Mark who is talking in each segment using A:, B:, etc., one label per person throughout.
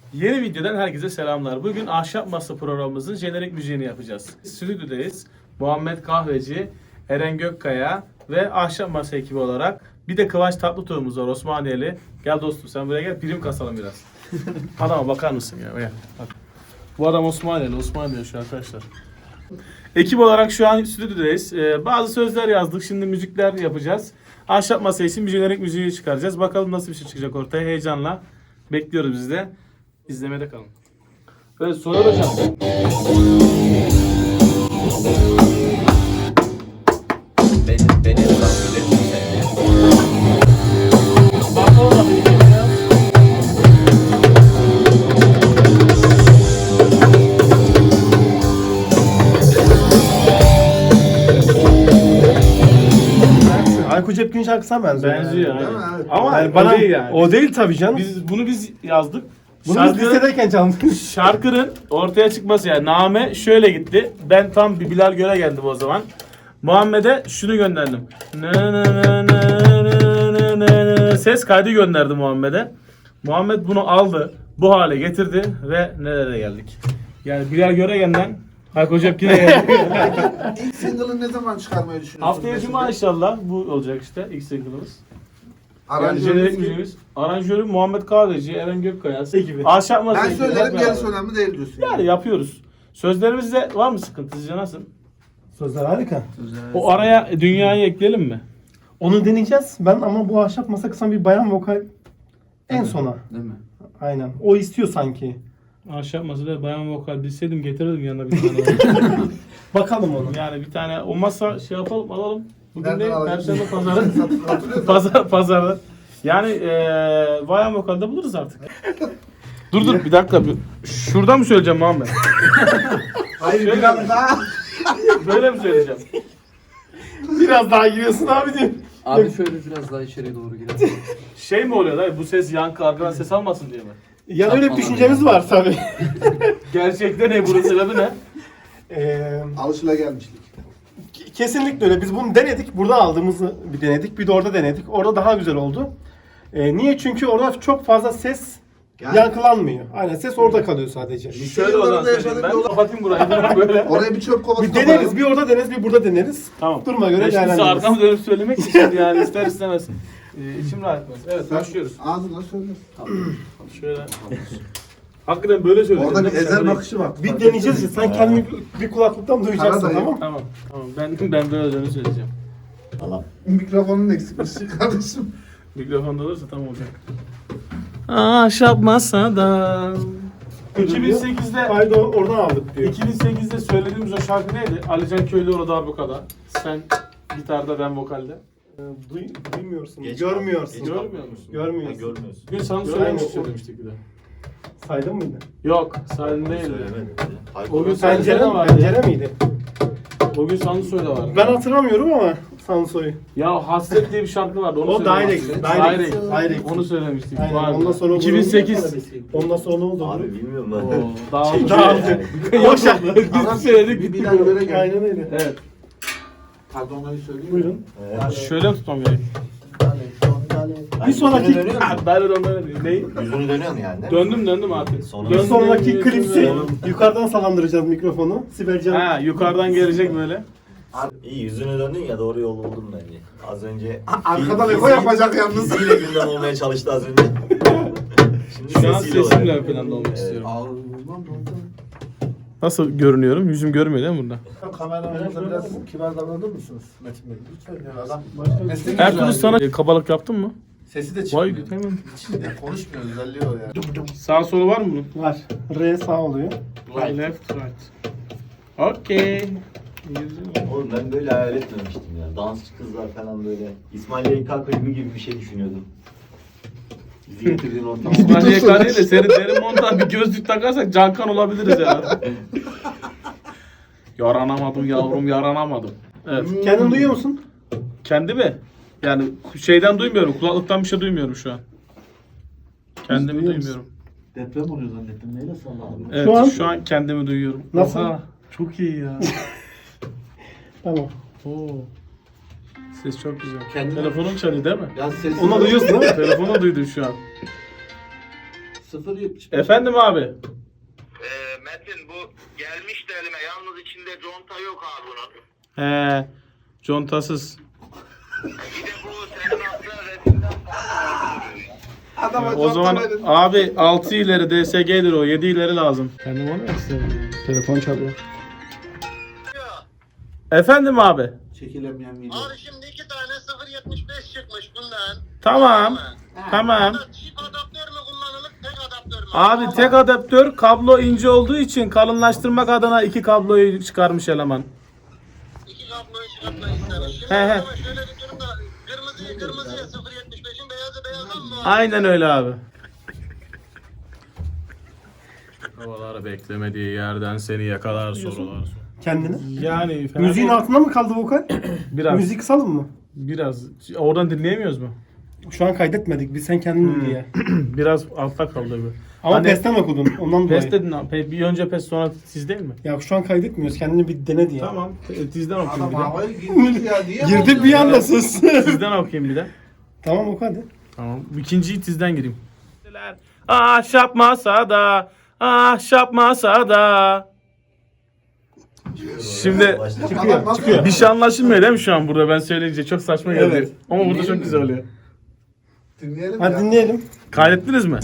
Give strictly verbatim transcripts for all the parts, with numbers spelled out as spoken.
A: Yeni videodan herkese selamlar. Bugün Ahşap Masa programımızın jenerik müziğini yapacağız. Stüdyodayız. Muhammed Kahveci, Eren Gökkaya ve Ahşap Masa ekibi olarak. Bir de Kıvanç Tatlıtuğ'umuz var, Osmaniyeli. Gel dostum sen buraya gel, prim kasalım biraz. Adama bakar mısın ya? Gel. Bak. Bu adam Osmaniyeli, Osmaniyeli şu arkadaşlar. Ekip olarak şu an stüdyodayız. Ee, bazı sözler yazdık, şimdi müzikler yapacağız. Ahşap Masa için bir jenerik müziği çıkaracağız. Bakalım nasıl bir şey çıkacak ortaya, heyecanla bekliyoruz biz de. İzlemede kalın. Evet, Soner Hocam.
B: Benim, benim rahmetim seni.
A: Bakalım da bir kere ya.
C: Ayko Cepkin şarkısına benziyor.
A: Benziyor
C: yani.
A: yani.
C: Evet.
A: Ama
C: Yani
A: o
C: bana,
A: değil yani.
C: O değil tabii canım.
A: Biz bunu biz yazdık.
C: Bunu biz
A: Şarkının,
C: lisedeyken çaldık.
A: şarkının ortaya çıkması yani name şöyle gitti. Ben tam bir Bilal Göre geldim o zaman. Muhammed'e şunu gönderdim. Nı nı nı nı nı nı nı. Ses kaydı gönderdi Muhammed'e. Muhammed bunu aldı, bu hale getirdi ve nereye geldik? Yani Bilal Göregen'den Hayko Cepkin'e geldik.
D: İlk single'ı ne zaman çıkarmayı düşünüyorsun?
A: Haftaya Cuma inşallah bu olacak işte ilk single'ımız. Yani
D: Aranjörümüz
A: jenerik
D: kim?
A: müziğimiz. Aranjörü Muhammed Kahveci, Eren Gökkaya gibi. Ahşap Masa
D: Ben
A: ekibi
D: söylerim,
A: hep
D: gerisi
A: beraber.
D: önemli değil diyorsun.
A: Yani yapıyoruz. Sözlerimizde var mı sıkıntı? Sizce nasıl?
C: Sözler harika.
A: O araya dünyayı ekleyelim mi?
C: Onu deneyeceğiz. Ben ama bu ahşap masa kısan bir bayan vokal en sona.
D: Değil mi?
C: Aynen. O istiyor sanki.
A: Ahşap Masa'da bayan vokal bilseydim getirirdim yanına bir tane.
C: Bakalım onu.
A: Yani bir tane olmazsa şey yapalım, alalım. Bugün
D: Nereden
A: ne?
D: alacağız?
A: Perşembe pazarı.
D: Hatırlıyor musun?
A: Pazar, pazarda. Yani eee bayan vokalde buluruz artık. dur dur bir dakika. Bir- Şuradan mı söyleyeceğim Muhammed?
D: Hayır
A: Şöyle
D: biraz
A: mi?
D: daha.
A: Böyle mi söyleyeceğim?
C: Biraz daha giriyorsun abi diyor.
B: Abi şöyle biraz daha içeriye doğru girelim.
A: Şey mi oluyor dayı? Bu ses yankı arkadan ses almasın diye mi?
C: Ya öyle bir düşüncemiz var tabii.
A: Gerçekte ne? Bunun sebebi ne?
C: Ee,
D: Alışılagelmişlik.
C: kesinlikle öyle. Biz bunu denedik. Burada aldığımızı bir denedik. Bir de orada denedik. Orada daha güzel oldu. Ee, niye? Çünkü orada çok fazla ses
D: Yani-
C: yankılanmıyor. Aynen ses orada kalıyor sadece.
A: Şöyle o zaman
D: yıllarında
A: söyleyeyim
D: yaşadık
A: ben.
D: yolu-
A: Kapatayım burayı böyle.
D: Oraya bir çöp kovası
C: Bir deneriz. Bir orada deneriz, bir burada deneriz.
A: Tamam.
C: Duruma göre
A: Ben şimdi size
C: değerlendiririz.
A: arkamı dönüp söylemek için yani ister istemez. Ee, içim rahat etmez. Evet başlıyoruz.
D: Ağzına söyle.
A: Şöyle. Hakikaten böyle söyleyeceğim.
D: Orada bir
A: değil mi?
D: ezel
A: Sen
D: bakışı var.
C: Bir deneyeceğiz ya. Sen kendini bir, bir kulaklıktan duyacaksın,
D: Karadayı.
C: tamam?
A: Tamam. Tamam. Ben ben böyle dönüp söyleyeceğim.
D: Mikrofonun eksikmiş kardeşim.
A: Mikrofonda olursa tam olacak. Ahşap masada. iki bin sekizde
C: Kaydı oradan aldık diyor.
A: iki bin sekizde söylediğimiz o şarkı neydi? Alican Köylüoğlu darbukada. Sen gitarda, ben vokalde.
C: Duy, duymuyorsun,
B: Geç
C: görmüyorsun.
B: kaldı.
A: Görmüyor musun?
C: Görmüyorsun.
B: Görmüyorsun.
A: Bugün sana
C: Görmüyor
A: söylemiş
C: musun?
A: söylemiştik bir de.
C: Saydın mıydı?
A: Yok, sen değildi.
B: Söylemedim.
A: O gün
B: Hayır,
C: Pencere,
A: de vardı.
C: pencere miydi?
A: O gün Sansoy da vardı.
C: Ben hatırlamıyorum ama Sansoy'u.
A: Ya Hasret diye bir şarkı vardı. Onu
C: O Direct,
A: söylemiştik.
C: Direct,
A: Direct.
C: Direct.
A: Onu söylemiştik.
C: Aynen.
A: Vardı.
C: Ondan sonra
A: iki bin sekiz.
C: Ondan sonra ne oldu?
B: Abi bilmiyorum
A: Oo,
B: ben.
A: dağıldı.
C: Dağıldı.
A: Yok şarkı. Biz söyledik.
D: Bir
A: bitti
D: Bilal
A: bu.
D: Göre gel.
C: Aynen öyle.
A: Evet.
D: Pardon onu söyleyeyim.
C: Buyurun.
A: Şöyle mi tutmam gerek?
C: Bir sonraki-
A: Ben de ondan değil.
B: Yüzünü dönüyorsun yani. değil mi?
A: Döndüm döndüm artık.
B: Sonra-
C: Bir
A: Döndüm,
C: sonraki
A: döndüm,
C: klipsi
A: döndüm.
C: yukarıdan salandıracağız mikrofonu. Sibel Can.
A: Ha yukarıdan gelecek böyle.
B: İyi yüzünü döndün ya, doğru yolu buldun bence. Az önce
D: Arkadan
B: fiziği-
D: eko yapacak yalnız.
B: Fiziğiyle gündem olmaya çalıştı az önce. Şimdi
A: Şu an
B: sesiyle
A: sesimle
B: oluyor.
A: ön planda olmak
B: Evet.
A: istiyorum.
D: Allah'ım.
A: Nasıl görünüyorum? Yüzüm görmüyor değil mi burada?
D: Kameramanınıza biraz kibar davranır mısınız Metin Bey? Lütfen ya adam. Mesleğiniz
A: Ertuğrul
D: yani.
A: sana kabalık yaptın mı?
D: Sesi de
A: Vay
D: çıkmıyor.
A: hemen.
D: Ya konuşmuyor özelliği o ya.
A: Sağ solu var mı bunun?
C: Var. R sağ oluyor.
A: Right, left, right. Okey.
B: Oğlum ben böyle hayal etmemiştim ya. Dansçı kızlar falan böyle. İsmail Y K klibi gibi bir şey düşünüyordum. Bizi getirdiğin ortam.
A: İsmail Y K değil de senin derin montan bir gözlük takarsak Cankan olabiliriz ya. Yaranamadım yavrum yaranamadım. Evet.
C: Kendin duyuyor musun?
A: Kendi mi? Yani şeyden duymuyorum. Kulaklıktan bir şey duymuyorum şu an. Kendimi
C: duyuyor musun?
A: duymuyorum.
D: Deprem oluyor zannettim. Neyle salladın?
A: Evet
C: Şu
A: şu
C: an-
A: an, kendimi duyuyorum.
C: Nasıl?
A: Oha, çok iyi ya.
C: Tamam.
A: Oo. Ses çok güzel.
D: Kendine-
A: Telefonum çalıyor değil mi?
D: Ya sesi
C: Onu duyuyorsun değil mi?
A: Telefonu duydum şu an.
D: sıfır yetmiş beş.
A: Efendim abi.
E: Ee, Metin bu gelmişti elime. Yalnız içinde conta yok abi bunun.
A: He. Contasız.
E: Bir de bu senin attığın resimden farklı duruyor.
D: Adama
A: O zaman abi altı ileri D S G'dir o. yedi ileri lazım. Kendim onu istedim. Telefon çalıyor. Efendim abi.
D: çekilemeyen video.
E: Abi şimdi iki tane sıfır yetmiş beş çıkmış bundan.
A: Tamam. Tamam.
E: Çift adaptör mü kullanılır, tek adaptör mü?
A: Abi tek adaptör, kablo ince olduğu için kalınlaştırmak adına iki kabloyu çıkarmış eleman.
E: İki kabloyu çıkartmayı istemiş. Şimdi
A: He he.
E: ama şöyle bir durumda kırmızıyı kırmızıya sıfır yetmiş beşin beyazı beyaza mı?
A: Aynen öyle abi. Havalar beklemediği yerden seni yakalar sorular.
C: Kendini.
A: Yani fena
C: Müziğin
A: değil.
C: altında mı kaldı vokal?
A: biraz
C: Müziği kısalım mı?
A: biraz oradan dinleyemiyoruz mu?
C: Şu an kaydetmedik. Biz sen kendin
A: Hmm.
C: diye.
A: Biraz altta kaldı bu.
C: Ama
A: Hani-
C: PES'ten okudun. Ondan dolayı.
A: Pes dedin abi. Pe- Bir önce pes sonra tiz değil mi?
C: Ya şu an kaydetmiyoruz. Kendini bir dene diye.
A: Tamam. Te- Tizden okuyayım
D: Adam
A: bir de.
D: havaya girmiş ya. Niye
C: Girdi
D: bozuyorsun
C: bir
D: ya?
C: anda sus.
A: Tizden okuyayım bir de.
C: Tamam oku hadi.
A: Tamam. İkinciyi tizden gireyim. Ahşap masada, ahşap masada. Şimdi
C: Çıkıyor.
D: Adam
C: Çıkıyor.
A: bir şey anlaşılmıyor değil mi şu an burada ben söyleyince çok saçma geldi.
C: Evet.
A: Ama burada çok güzel oluyor.
D: Dinleyelim
C: Hadi
D: ya.
C: dinleyelim.
A: Kaydettiniz mi?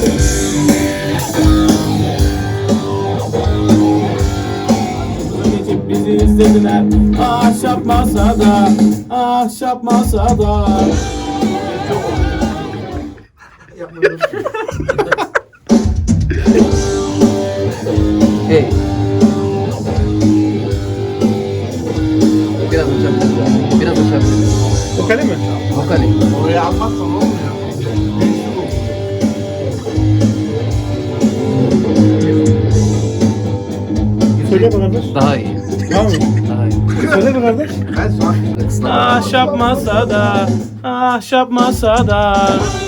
A: Geçip bizi izlediler. Ahşap masada, ahşap masada.
D: Yapmıyorum.
F: Hey. Biraz açabiliriz. Biraz açabiliriz.
C: Vokali mi?
F: Vokali.
D: Oraya almazsan olmuyor.
C: Söyle be kardeş.
F: Daha iyi.
C: Tamam mı?
F: Daha iyi.
C: Söyle be kardeş.
D: Ben sonra
A: Ahşap masada, ahşap masada.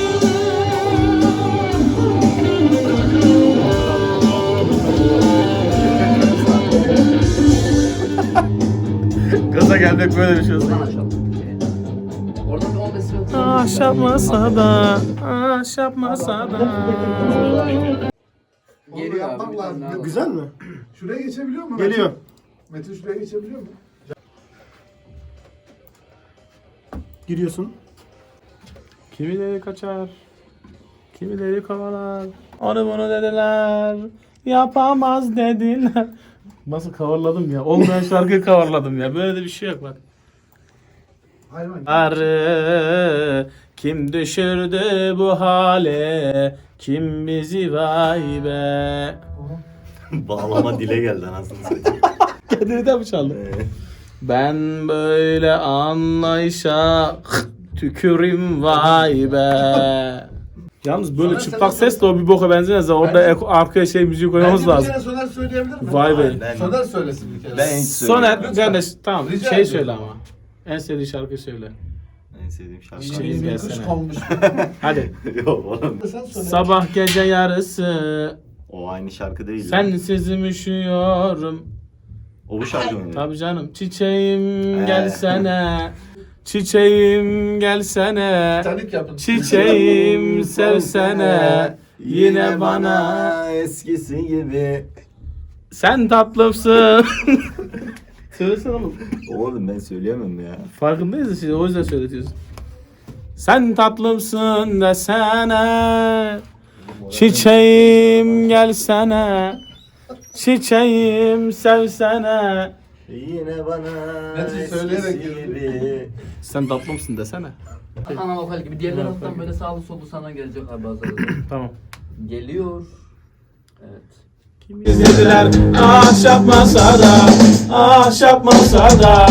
A: Gaza gelmek böyle bir şey olsun.
F: Buradan açalım. Orada bir on beş sıra.
A: Ahşap masada, ahşap masada.
D: onu
F: Geliyor
D: yapmak
F: abi. bir
D: lazım.
F: tane daha var.
C: Güzel mi?
D: Şuraya geçebiliyor mu?
C: Geliyor.
D: Metin şuraya geçebiliyor mu?
C: Giriyorsun.
A: Kimileri kaçar, kimileri kovalar. Onu bunu dediler, yapamaz dediler. Nasıl coverladım ya? Olmayan şarkıyı coverladım ya. Böyle de bir şey yok bak.
D: Hayvan.
A: Arı kim düşürdü bu hale? Kim bizi vay be?
B: Bağlama dile geldi anasını satayım.
A: Kendini de mi çaldın?
B: Ee,
A: Ben böyle anlayışa tükürüm vay be. Yalnız böyle
D: Soner,
A: çıplak
D: sen-
A: sesle o bir boka benzemez. Orada
D: Bence-
A: ek- arkaya şey müziği koymamız
D: Bence bir
A: lazım.
D: kere Soner söyleyebilir mi?
A: Vay be.
B: Ben-
D: Soner söylesin bir kere.
B: Ben hiç
A: Soner
B: söyleyeyim.
A: kardeş tamam
D: Rica
A: şey
D: ediyorum.
A: söyle ama. En sevdiğin şarkıyı söyle.
B: En sevdiğim şarkı.
A: Çiçeğim
D: Bir kuş
A: gelsene.
D: konmuş.
A: Hadi.
B: Yok oğlum.
D: Sen söyle.
A: Sabah gece yarısı
B: O aynı şarkı değil. ya.
A: sensiz üşüyorum.
B: O bu şarkı mı?
A: Tabii canım. Çiçeğim
B: He.
A: gelsene. Çiçeğim gelsene.
D: Titanic yapın.
A: Çiçeğim sevsene. Yine bana
B: eskisi gibi.
A: sen tatlımsın. Söylesene oğlum.
B: Oğlum ben söyleyemem ya.
A: Farkındayız da siz o yüzden söyletiyorsun. Sen tatlımsın desene. Çiçeğim gelsene. Çiçeğim sevsene.
B: Yine bana
D: Metin söyleyerek
B: eskisi
D: girdi.
B: gibi.
A: Sen tatlımsın desene.
F: Ana vokal gibi. Diğerler alttan böyle sağlı sollu sana gelecek abi bazıları.
A: Tamam.
F: Geliyor. Evet.
A: İzlediler ahşap masada, ahşap masada.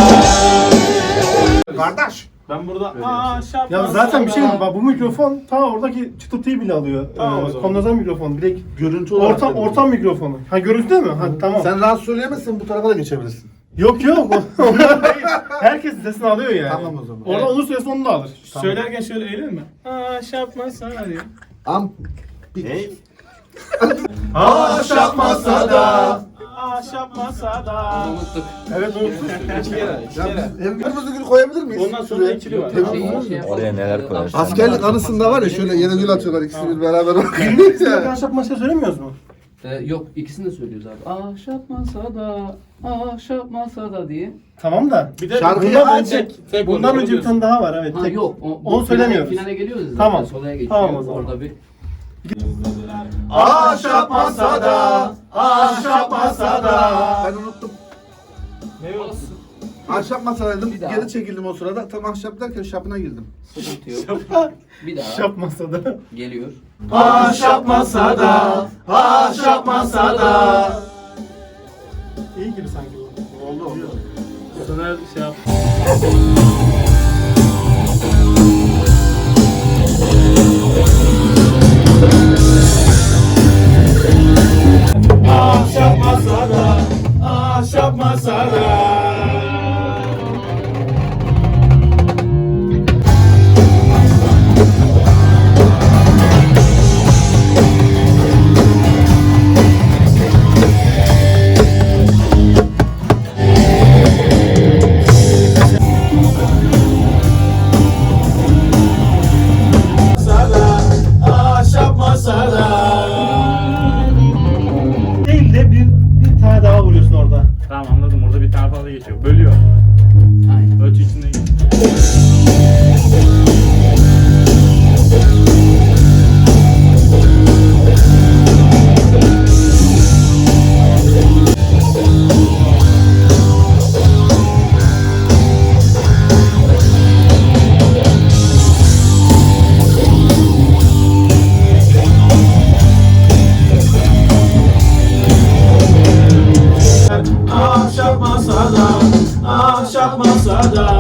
D: Kardeş.
A: Ben burada ahşap
C: Ya zaten bir şey yok. Bak bu mikrofon ta oradaki çıtırtıyı bile alıyor.
A: Tamam o
C: Ee,
A: zaman.
C: Kondenser mikrofon. Direkt
D: Görüntü olarak.
C: ortam,
D: dedim.
C: ortam mikrofonu. Ha görüntü değil mi? Ha tamam.
D: Sen rahat söyleyemezsin, bu tarafa da geçebilirsin.
C: Yok yok. Onlar değil. Herkes sesini alıyor yani.
D: Tamam o zaman.
C: Orada
A: Evet.
C: onun sesini onu da alır.
A: Söylerken şöyle eğilir mi? Ahşap masada diye.
D: Am.
B: Ne?
C: Ahşap masada.
A: ahşap masada.
F: Unuttuk.
C: Evet unuttum.
A: İki kere, iki
D: Ya
A: kere.
D: biz hem kırmızı gül koyabilir miyiz?
A: Ondan sonra ikili var.
D: Tamam.
F: Şey- şey yapalım.
B: Oraya neler koyarsın?
D: Askerlik anısında var ya şöyle yeni gül atıyorlar ikisi bir beraber.
C: Biz ahşap masaya söylemiyoruz mu?
F: Ee, yok ikisini de söylüyoruz abi. Ahşap masada, ahşap masada diye.
C: Tamam da.
A: Bir de
D: Şarkıyı
C: Bundan
A: bundan
C: önce,
A: tek, tek
C: bundan
A: oluyor,
C: önce bir
A: biliyorsun.
C: tane daha var evet.
F: Ha
C: tek.
F: yok. O,
C: Onu
F: bu
C: söylemiyoruz.
F: Finale, finale geliyoruz zaten.
C: Tamam.
F: Solaya geçiyor.
C: Tamam o zaman.
F: Orada bir
D: Ahşap masada, ahşap masada. Ben unuttum.
A: Ne olsun?
D: Ahşap masadaydım.
F: Bir daha.
D: Geri çekildim o sırada. Tam ahşap derken şapına girdim.
F: sıkıntı yok. Bir daha
C: Ahşap masada.
F: geliyor.
A: Ahşap masada, ahşap masada.
C: İyi gibi sanki bu.
D: Oldu oldu.
A: Soner şey yap. Ahşap masada, ahşap masada. Masada, ahşap masada.
C: Değil de bir, bir tane daha vuruyorsun orada.
G: Tamam anladım. Orada bir tane fazla geçiyor. Bölüyor.
F: Aynen.
G: Ölçü içinde geçiyor.
A: Ahşap masada, ahşap masada.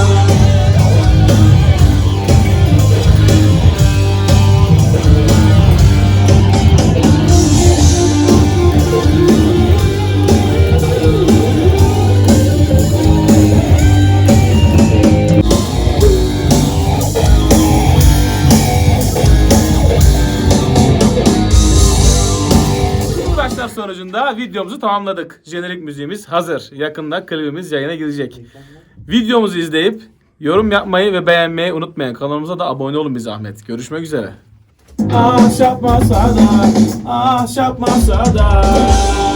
A: Bu uğraşlar sonucunda videomuzu tamamladık. Jenerik müziğimiz hazır. Yakında klibimiz yayına girecek. Videomuzu izleyip yorum yapmayı ve beğenmeyi unutmayın. Kanalımıza da abone olun bir zahmet. Görüşmek üzere. Ahşap masada, ahşap masada.